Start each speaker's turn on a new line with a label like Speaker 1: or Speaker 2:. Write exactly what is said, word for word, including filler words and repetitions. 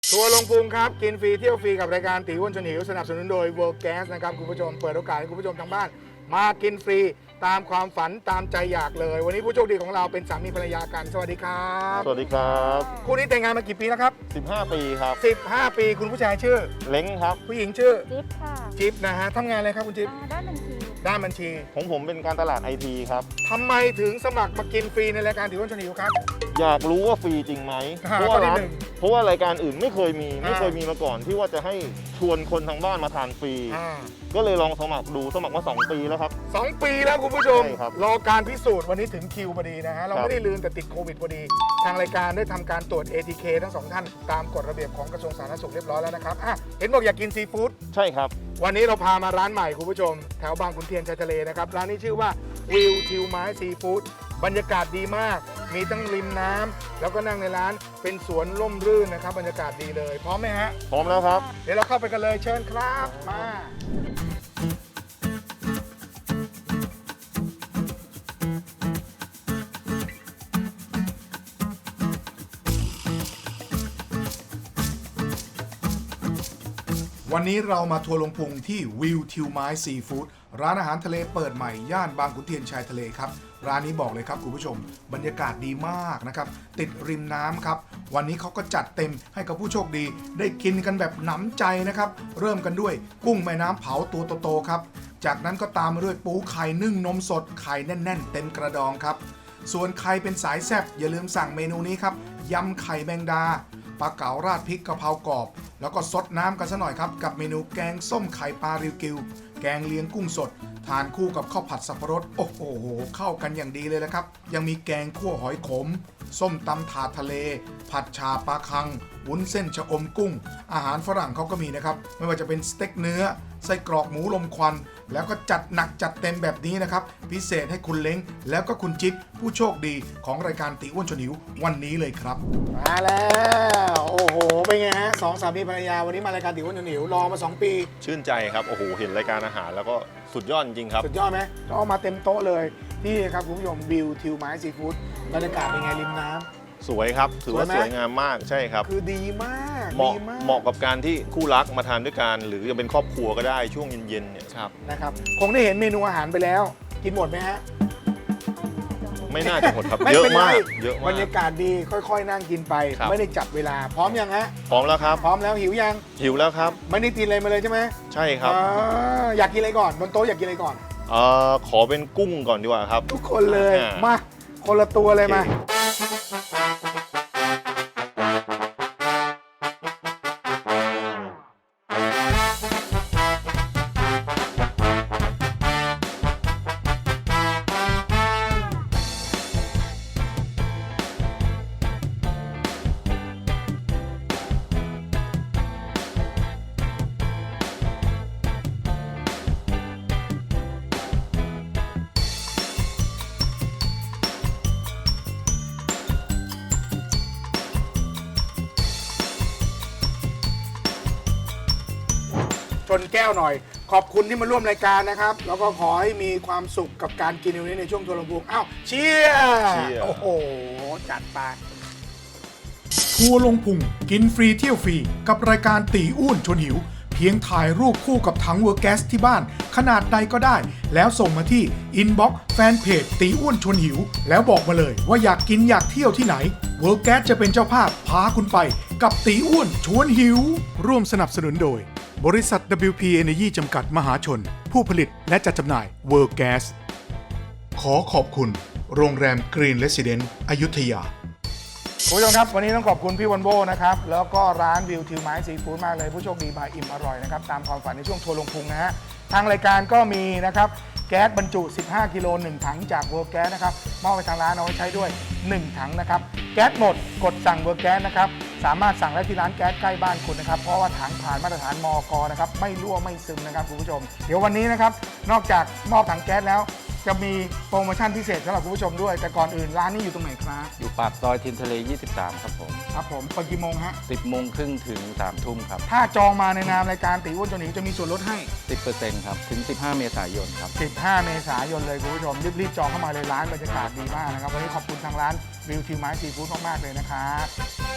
Speaker 1: ทัวร์ลงพุงครับกินฟรีเที่ยวฟรีกับรายการตีอ้วนชวนหิวสนับสนุนโดย World Gas นะครับคุณผู้ชมเปิดโอกาสให้คุณผู้ชมทางบ้านมากินฟรีตามความฝันตามใจอยากเลย วันนี้ผู้โชคดีของเราเป็นสามีภรรยากันสวัสดีครับ
Speaker 2: สวัสดีครับ
Speaker 1: คู่นี้แต่งงานมากี่ปีแล้วครับ
Speaker 2: สิบห้า ปีครับ
Speaker 1: สิบห้า ปีคุณผู้ชายชื่อ
Speaker 2: เล้งครับ
Speaker 1: ผู้หญิงชื่อ
Speaker 3: จิ๊บค่ะ
Speaker 1: จิ๊บนะฮะทำงานอะไรครับคุณจิ๊บ
Speaker 3: อ่าด้านบัญชี
Speaker 1: ด้านบัญชี
Speaker 2: ของผมเป็นการตลาดไอทีครับ
Speaker 1: ทำไมถึงสมัครมากินฟรีในรายการตีอ้วนชวนหิวครับ
Speaker 2: อยากรู้ว่าฟรีจริงไหม
Speaker 1: อ่า
Speaker 2: เพราะว่า
Speaker 1: ข้อที่
Speaker 2: ร้าน
Speaker 1: หนึ่ง
Speaker 2: เพราะว่ารายการอื่นไม่เคยมี
Speaker 1: อ่า
Speaker 2: ไม่เคยมีมาก่อนที่ว่าจะให้ชวนคนทางบ้านมาทานฟรี
Speaker 1: อ่า
Speaker 2: ก็เลยลองสมัครดูสมัครมาสองปีแล้วครับ
Speaker 1: สองปีแล้วคุณผู้ชม
Speaker 2: ใช่ครับ
Speaker 1: รอการพิสูจน์วันนี้ถึงคิวพอดีนะฮะเรา
Speaker 2: ครับ
Speaker 1: ไม่ได้ลืมแต่ติดโควิดพอดี ทางรายการได้ทำการตรวจ เอ ที เค ทั้งสองท่านตามกฎระเบียบของกระทรวงสาธารณสุขเรียบร้อยแล้วนะครับอ่ะเห็นบอกอยากกินซีฟู้ด
Speaker 2: ใช่ครับ
Speaker 1: วันนี้เราพามาร้านใหม่คุณผู้ชม แถวบางขุนเทียนชายทะเลนะครับ ร้านนี้ชื่อว่าวิวทิวไม้ซีฟู้ดบรรยากาศดีมาก มีทั้งริมน้ำแล้วก็นั่งในร้านเป็นสวนร่มรื่นนะครับบรรยากาศดีเลยพร้อมไหมฮะ
Speaker 2: พร้อมแล้วครับ
Speaker 1: เดี๋ยวเราเข้าไปกันเลยเชิญครับมา วันนี้เรามาทัวร์ลงพุงที่วิวทิวไม้ซีฟู้ดร้านอาหารทะเลเปิดใหม่ย่านบางขุนเทียนชายทะเลครับร้านนี้บอกเลยครับคุณผู้ชมบรรยากาศดีมากนะครับติดริมน้ำครับวันนี้เขาก็จัดเต็มให้กับผู้โชคดี ได้กินกันแบบหนำใจนะครับเริ่มกันด้วยกุ้งแม่น้ำเผาตัวโตๆครับจากนั้นก็ตามมาด้วยปูไข่นึ่งนมสดไข่แน่นๆเต็มกระดองครับส่วนใครเป็นสายแซ่บอย่าลืมสั่งเมนูนี้ครับยำไข่แมงดาปลาเก๋าราดพริกกะเพรากรอบแล้วก็ซดน้ำกันซะหน่อยครับกับเมนูแกงส้มไข่ปลาริวกิวแกงเลียงกุ้งสดทานคู่กับข้าวผัดสับปะรดโอ้โหเข้ากันอย่างดีเลยละครับยังมีแกงคั่วหอยขมส้มตำถาดทะเลผัดชาปลาคังวุ้นเส้นชะอมกุ้งอาหารฝรั่งเขาก็มีนะครับไม่ว่าจะเป็นสเต็กเนื้อไส้กรอกหมูลมควันแล้วก็จัดหนักจัดเต็มแบบนี้นะครับพิเศษให้คุณเล้งแล้วก็คุณจิ๊บผู้โชคดีของรายการตีอ้วนชวนหิววันนี้เลยครับมาแล้วโอ้โหเป็นไงฮะสองสามีภรรยาวันนี้มารายการตีอ้วนชวนหิวรอมาสองปี
Speaker 2: ชื่นใจครับโอ้โหเห็นรายการอาหารแล้วก็สุดยอดจริงครับ
Speaker 1: สุดยอดไหมก็เอามาเต็มโต๊ะเลยนี่ครับคุณผู้ชมวิวทิวไม้ซีฟู้ดบรรยากาศเป็นไงริมน้ำ
Speaker 2: สวยครับถือว่า
Speaker 1: สวยไหม
Speaker 2: สวยงามมากใช่ครับ
Speaker 1: คือดีมาก
Speaker 2: เหมาะ
Speaker 1: ดีมาก
Speaker 2: เหมาะกับการที่คู่รักมาทานด้วยกันหรือจะเป็นครอบครัวก็ได้ช่วงเย็นๆเนี่ยครับ
Speaker 1: นะครับคงได้เห็นเมนูอาหารไปแล้ว กินหมดไหมฮะ
Speaker 2: ไม่น่าจะหมดครับ
Speaker 1: ไม่
Speaker 2: เยอะ
Speaker 1: เป็นไร
Speaker 2: มากเยอะ
Speaker 1: บ
Speaker 2: มาร
Speaker 1: ร
Speaker 2: ก
Speaker 1: ยากาศดีค่อยๆ นั่งกินไป
Speaker 2: ครับ
Speaker 1: ไม่ได้จับเวลา พร้อมยังฮะ
Speaker 2: พร้อมแล้วครับ
Speaker 1: พร้อมแล้วหิวยัง
Speaker 2: หิวแล้วครับ
Speaker 1: ไม่ได้กินอะไรมาเลยใช่ไหม
Speaker 2: ใช่ครับ
Speaker 1: อ่าอยากกินอะไรก่อนบนโต๊ะอยากกินอะไรก่อน
Speaker 2: เอ่อขอเป็นกุ้งก่อนดีกว่าครับ
Speaker 1: ทุกคนเลย
Speaker 2: อ่าม
Speaker 1: มาคนละตัวเลยมา ชนแก้วหน่อย ขอบคุณที่มาร่วมรายการนะครับ แล้วก็ขอให้มีความสุขกับการกินในวันนี้ในช่วงทัวร์ลงพุงอ้าวเชียร์
Speaker 2: เชียร์
Speaker 1: โอ้โห จัดไป
Speaker 4: ทัวร์ลงพุงกินฟรีเที่ยวฟรีกับรายการตีอ้วนชวนหิว เพียงถ่ายรูปคู่กับถังเวอร์แก๊สที่บ้าน ขนาดใดก็ได้ แล้วส่งมาที่อินบ็อกซ์แฟนเพจตีอ้วนชวนหิว แล้วบอกมาเลยว่าอยากกินอยากเที่ยวที่ไหนเวอร์แก๊สจะเป็นเจ้าภาพพาคุณไปกับตีอ้วนชวนหิว ร่วมสนับสนุนโดย บริษัท ดับเบิลยู พี Energy จำกัดมหาชน ผู้ผลิตและจัดจำหน่ายเวอร์แก๊สขอขอบคุณโรงแรมกรีนเรสซิเดนต์อยุธยา
Speaker 1: คุณผู้ชมครับ วันนี้ต้องขอบคุณพี่วันโบนะครับ แล้วก็ร้านวิวทิวไม้ซีฟู้ดมากเลย ผู้โชคดีบายอิ่มอร่อยนะครับ ตามความฝันในช่วงทัวร์ลงพุงนะฮะ ทางรายการก็มีนะครับ แก๊สบรรจุ สิบห้า กิโล หนึ่ง ถังจากเวิร์กแก๊สนะครับ มอบไปทางร้านเอาไว้ใช้ด้วย หนึ่ง ถังนะครับ แก๊สหมดกดสั่งเวิร์กแก๊สนะครับ สามารถสั่งได้ที่ร้านแก๊สใกล้บ้านคุณนะครับ เพราะว่าถังผ่านมาตรฐานมก.นะครับ ไม่รั่วไม่ซึมนะครับคุณผู้ชม เดี๋ยววันนี้นะครับ นอกจากมอบถังแก๊สแล้ว จะมีโปรโมชั่นพิเศษสำหรับคุณผู้ชมด้วย แต่ก่อนอื่นร้านนี้อยู่ตรงไหนครับ
Speaker 5: อยู่ปากซอยทินทะเล ยี่สิบสาม ครับผม
Speaker 1: ครับผมเปิดกี่โมงฮะ
Speaker 5: สิบโมงครึ่งถึง สามทุ่มครับ
Speaker 1: ถ้าจองมาในนามรายการตีอ้วนจนหนีจะมีส่วนลดให้
Speaker 5: สิบเปอร์เซ็นต์ ครับ ถึง สิบห้า เมษายนครับ
Speaker 1: สิบห้า เมษายนเลยคุณผู้ชม รีบๆจองเข้ามาเลยร้านบรรยากาศดีมากนะครับ วันนี้ขอบคุณทางร้านวิวทิวไม้ซีฟู้ดมากๆเลยนะครับ